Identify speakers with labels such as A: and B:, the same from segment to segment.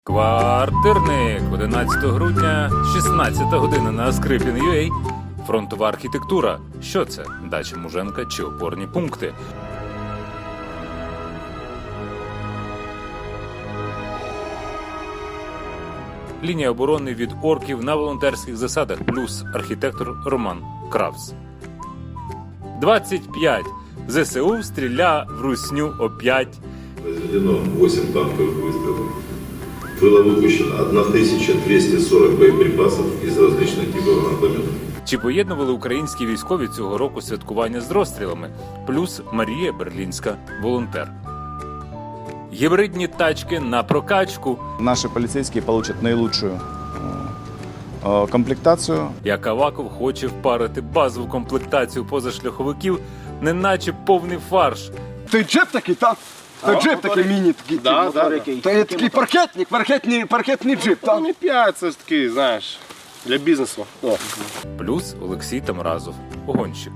A: Квартирник, 11 грудня, 16 година на Скрипін.ua. Фронтова архітектура. Що це? Дача Муженка чи опорні пункти? Лінія оборони від орків на волонтерських засадах. Плюс архітектор Роман Кравц. 25. ЗСУ стріля в русню опять.
B: Произведено 8 танковых выстрелов. Было выпущено 1240 боеприпасов из различных типов гранатометов.
A: Чи поєднували українські військові цього року святкування з розстрілами? Плюс Марія Берлінська, волонтер. Гібридні тачки на прокачку.
C: Наши полицейские получат наилучшую комплектацию.
A: Як Аваков хоче впарити базову комплектацію позашляховиків, неначе повний фарш.
D: Той джип такий, так? Той джип такий міні такий.
E: Да.
D: Той такий паркетний джип, так?
E: Ну, не 5, це ж такий, знаєш, для бізнесу. О.
A: Плюс Олексій Тамразов, погонщик.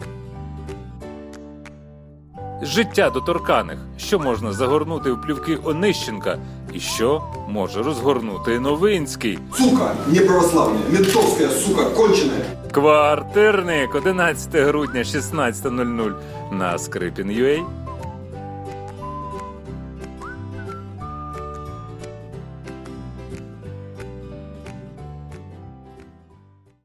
A: Життя доторканих. Що можна загорнути в плівки Онищенка? І що може розгорнути Новинський?
F: Сука, неправославная, ментовская, сука, конченая.
A: Квартирник, 11 грудня, 16:00 на Скрипін.ua.